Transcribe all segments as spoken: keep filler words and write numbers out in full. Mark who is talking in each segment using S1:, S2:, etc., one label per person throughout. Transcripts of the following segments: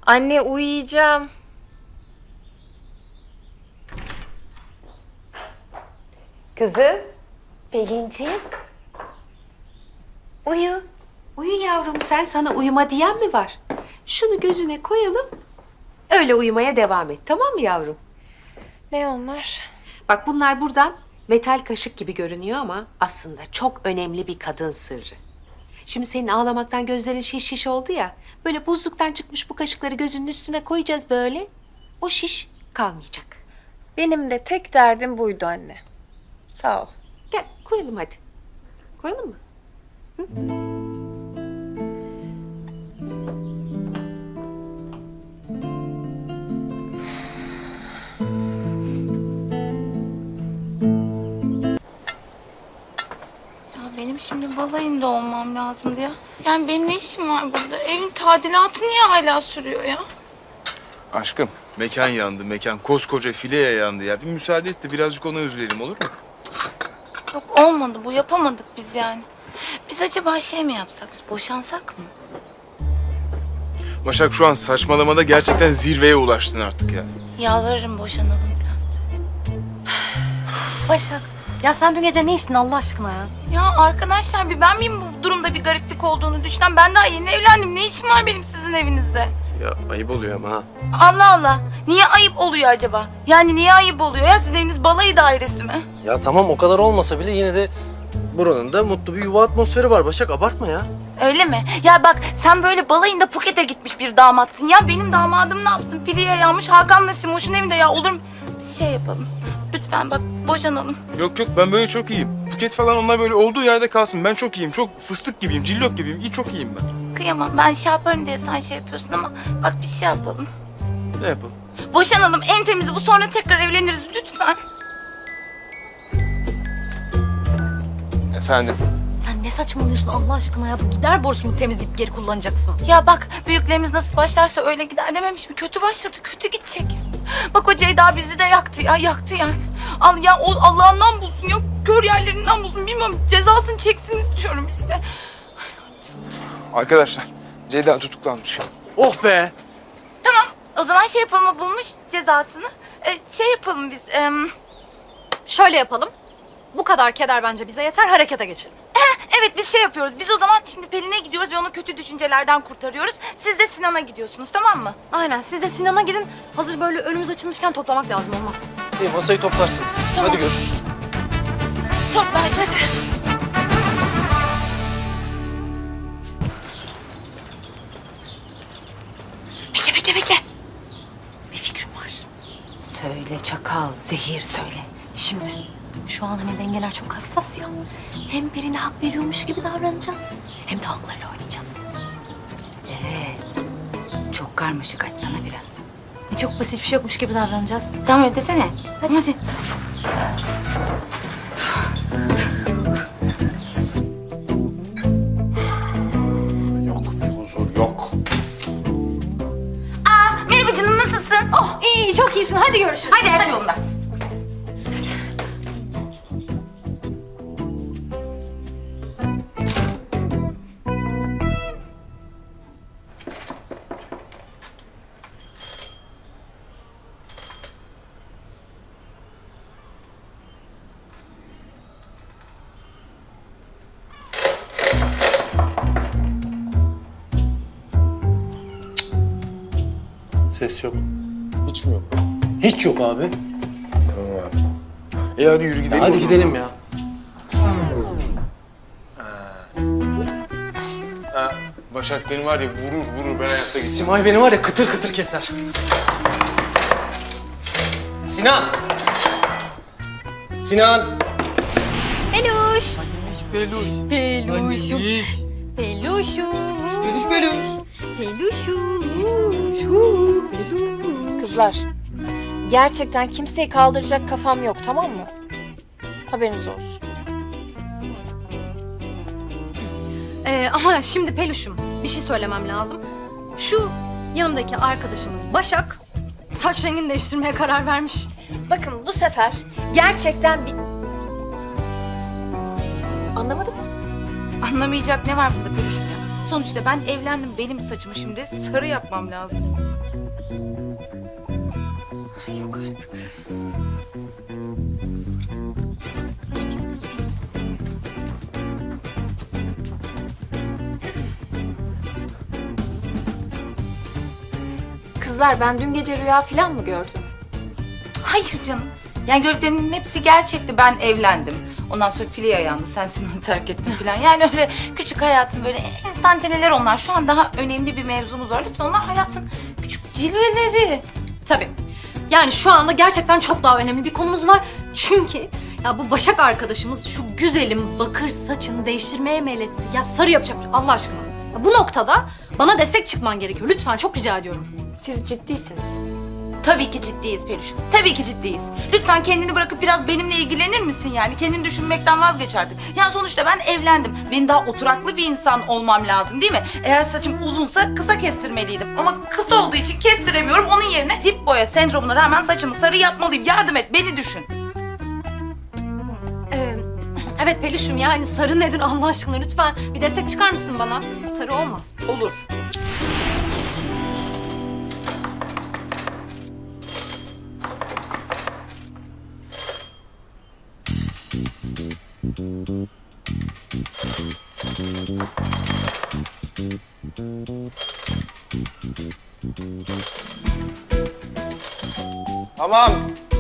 S1: Anne uyuyacağım.
S2: Kızım, Pelinciğim. Uyu. Uyu yavrum sen, sana uyuma diyen mi var? Şunu gözüne koyalım, öyle uyumaya devam et, tamam mı yavrum?
S1: Ne onlar?
S2: Bak bunlar buradan metal kaşık gibi görünüyor ama aslında çok önemli bir kadın sırrı. Şimdi senin ağlamaktan gözlerin şiş şiş oldu ya, böyle buzluktan çıkmış bu kaşıkları gözünün üstüne koyacağız böyle. O şiş kalmayacak.
S1: Benim de tek derdim buydu anne. Sağ ol.
S2: Gel koyalım hadi. Koyalım mı?
S3: Ya benim şimdi balayında olmam lazımdı ya. Yani benim ne işim var burada? Evin tadilatı niye hala sürüyor ya?
S4: Aşkım, mekan yandı, mekan. Koskoca fileye yandı ya. Bir müsaade et de birazcık ona üzülelim, olur mu?
S3: Yok olmadı bu, yapamadık biz yani. Biz acaba şey mi yapsak, biz boşansak mı?
S4: Başak şu an saçmalamada gerçekten zirveye ulaştın artık ya.
S3: Yalvarırım boşanalım Bülent.
S5: Başak, ya sen dün gece ne içtin Allah aşkına ya?
S3: Ya arkadaşlar bir ben miyim bu durumda bir gariplik olduğunu düşünen? Ben daha yeni evlendim. Ne işim var benim sizin evinizde?
S6: Ya ayıp oluyor ama ha.
S3: Allah Allah. Niye ayıp oluyor acaba? Yani niye ayıp oluyor ya? Sizin eviniz balayı dairesi mi?
S6: Ya tamam o kadar olmasa bile yine de buranın da mutlu bir yuva atmosferi var Başak, abartma ya.
S3: Öyle mi? Ya bak sen böyle balayında Phuket'e gitmiş bir damatsın. Ya benim damadım ne yapsın? Piliye yanmış Hakan'la Simoş'un evinde ya, olur mu? Biz şey yapalım. Lütfen bak boşanalım.
S4: Yok yok, ben böyle çok iyiyim. Buket falan onlar böyle olduğu yerde kalsın. Ben çok iyiyim, çok fıstık gibiyim, cillok gibiyim. İyi, çok iyiyim ben.
S3: Kıyamam, ben şey yaparım diye sen şey yapıyorsun ama bak bir şey yapalım.
S4: Ne yapalım?
S3: Boşanalım, en temizi bu, sonra tekrar evleniriz lütfen.
S4: Efendim?
S5: Sen ne saçmalıyorsun Allah aşkına ya? Bu gider borusunu temizleyip geri kullanacaksın.
S3: Ya bak büyüklerimiz nasıl başlarsa öyle gider dememiş mi? Kötü başladı, kötü gidecek. Bak o Ceyda bizi de yaktı ya, yaktı yani. Al ya, o Allah'ından bulsun ya, kör yerlerinden bulsun, bilmiyorum, cezasını çeksin istiyorum işte.
S4: Arkadaşlar, Ceyda tutuklanmış.
S6: Oh be!
S3: Tamam, o zaman şey yapalım, o bulmuş cezasını. Ee, şey yapalım biz, em,
S5: Şöyle yapalım. Bu kadar keder bence bize yeter, harekete geçelim.
S3: evet biz şey yapıyoruz. Biz o zaman şimdi Pelin'e gidiyoruz ve onu kötü düşüncelerden kurtarıyoruz. Siz de Sinan'a gidiyorsunuz, tamam mı?
S5: Aynen, siz de Sinan'a gidin. Hazır böyle önümüz açılmışken toplamak lazım, olmaz.
S6: İyi, masayı toplarsınız siz.
S3: Tamam.
S6: Hadi görüşürüz.
S3: Topla hadi hadi. Bekle bekle bekle. Bir fikrim var.
S2: Söyle çakal, zehir söyle.
S5: Şimdi şu an hani dengeler çok hassas ya. Hem birine hak veriyormuş gibi davranacağız. Hem de haklarıyla oynayacağız.
S2: Evet, çok karmaşık, açsana biraz.
S5: E, çok basit bir şey yokmuş gibi davranacağız.
S3: Tamam öyle desene. Hadi. hadi.
S4: Yok bir huzur, yok.
S3: Aa, merhaba canım, nasılsın?
S5: Oh iyi, iyi çok iyisin, hadi görüşürüz.
S3: Hadi her şey yolunda.
S6: Ses yok. Hiç mi yok? Hiç yok abi.
S4: Tamam abi. E hadi yürü gidelim.
S6: Hadi
S4: o zaman.
S6: gidelim ya.
S4: Ha, Başak beni var ya vurur vurur, ben hayatta gideceğim.
S6: Simay beni var ya kıtır kıtır keser. Sinan! Sinan!
S5: Peluş.
S6: Peluş.
S5: Peluşum. Peluşum. Peluş peluş. Peluşum.
S1: Kızlar, gerçekten kimseyi kaldıracak kafam yok, tamam mı? Haberiniz olsun.
S5: Ee, ama şimdi Peluş'um bir şey söylemem lazım. Şu yanımdaki arkadaşımız Başak saç rengini değiştirmeye karar vermiş.
S1: Bakın bu sefer gerçekten bir... Anlamadım.
S3: Anlamayacak ne var bunda Peluş'um ya? Sonuçta ben evlendim, benim saçımı şimdi sarı yapmam lazım. Ay yok artık.
S1: Kızlar ben dün gece rüya falan mı gördüm?
S3: Hayır canım. Yani gördüklerinin hepsi gerçekti. Ben evlendim. Ondan sonra file ayağında sensin onu terk ettin falan. Yani öyle küçük hayatın böyle enstantaneler onlar. Şu an daha önemli bir mevzumuz var. Lütfen onlar hayatın küçük cilveleri.
S5: Tabii. Yani şu anda gerçekten çok daha önemli bir konumuz var. Çünkü ya bu Başak arkadaşımız şu güzelim bakır saçını değiştirmeye meyletti. Ya sarı yapacak Allah aşkına. Ya bu noktada bana destek çıkman gerekiyor. Lütfen çok rica ediyorum.
S1: Siz ciddisiniz.
S3: Tabii ki ciddiyiz Peluş. Tabii ki ciddiyiz. Lütfen kendini bırakıp biraz benimle ilgilenir misin yani? Kendini düşünmekten vazgeç artık. Yani sonuçta ben evlendim. Benim daha oturaklı bir insan olmam lazım değil mi? Eğer saçım uzunsa kısa kestirmeliydim. Ama kısa olduğu için kestiremiyorum. Onun yerine dip boya sendromuna rağmen saçımı sarı yapmalıyım. Yardım et, beni düşün.
S5: Ee, evet Peluş'um yani sarı nedir Allah aşkına lütfen bir destek çıkar mısın bana? Sarı olmaz.
S3: Olur.
S4: Tamam.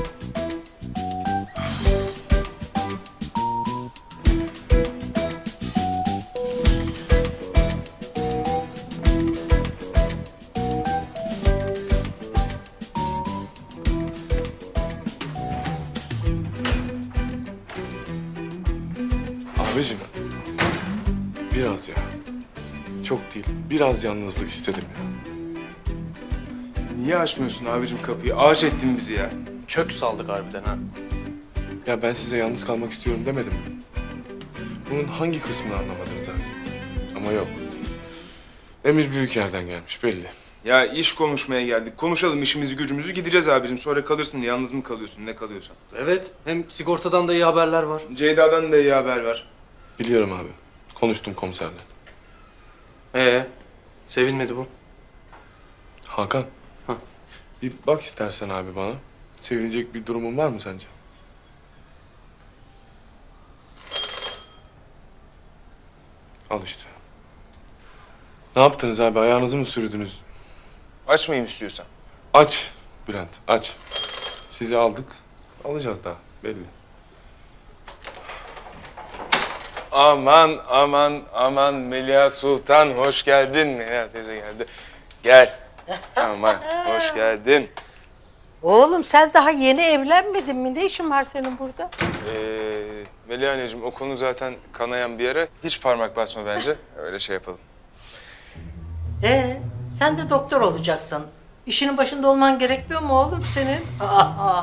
S7: Abicim, biraz ya. Çok değil, biraz yalnızlık istedim ya.
S4: Niye açmıyorsun abicim kapıyı? Ağaç ettin bizi ya.
S6: Kök saldık harbiden ha.
S7: Ya ben size yalnız kalmak istiyorum demedim mi? Bunun hangi kısmını anlamadınız abi? Ama yok. Emir büyük yerden gelmiş belli.
S4: Ya iş konuşmaya geldik. Konuşalım işimizi gücümüzü gideceğiz abicim. Sonra kalırsın yalnız mı kalıyorsun ne kalıyorsan.
S6: Evet, hem sigortadan da iyi haberler var.
S4: Ceyda'dan da iyi haber var.
S7: Biliyorum abi. Konuştum komiserle.
S6: Ee, sevinmedi bu.
S7: Hakan.
S6: Hah.
S7: Bir bak istersen abi bana. Sevinecek bir durumun var mı sence? Al işte. Ne yaptınız abi? Ayağınızı mı sürdünüz?
S4: Açmayayım istiyorsan.
S7: Aç Bülent, aç. Sizi aldık. Alacağız daha belli.
S4: Aman aman aman Melia Sultan hoş geldin. Melia teyze geldi. Gel. Aman hoş geldin.
S8: Oğlum sen daha yeni evlenmedin mi? Ne işin var senin burada?
S4: Ee, Melia anneciğim o konu zaten kanayan bir yere. Hiç parmak basma bence. Öyle şey yapalım.
S8: Ee, sen de doktor olacaksın. İşinin başında olman gerekmiyor mu oğlum senin? Aa,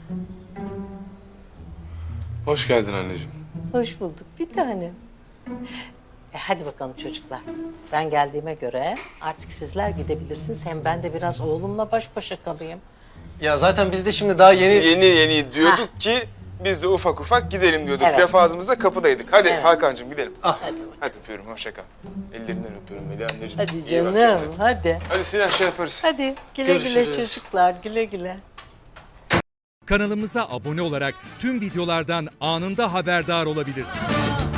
S7: Hoş geldin anneciğim.
S8: hoş bulduk bir tanem. E hadi bakalım çocuklar. Ben geldiğime göre artık sizler gidebilirsiniz. Hem ben de biraz oğlumla baş başa kalayım.
S6: Ya zaten biz de şimdi daha yeni...
S4: Yeni yeni diyorduk ki biz de ufak ufak gidelim diyorduk.
S8: Evet.
S4: Laf ağzımızda kapıdaydık. Hadi
S8: Evet.
S4: Hakan'cığım gidelim.
S8: Hadi bakalım.
S4: Hadi öpüyorum hoşça kal. Ellerinden öpüyorum Melia anneciğim.
S8: Hadi
S4: İyi bak
S8: canım,
S4: kendine.
S8: hadi.
S4: Hadi Sinan şey yaparız.
S8: Hadi güle güle
S6: Görüşürüz.
S8: çocuklar, güle güle.
S9: Kanalımıza abone olarak tüm videolardan anında haberdar olabilirsiniz.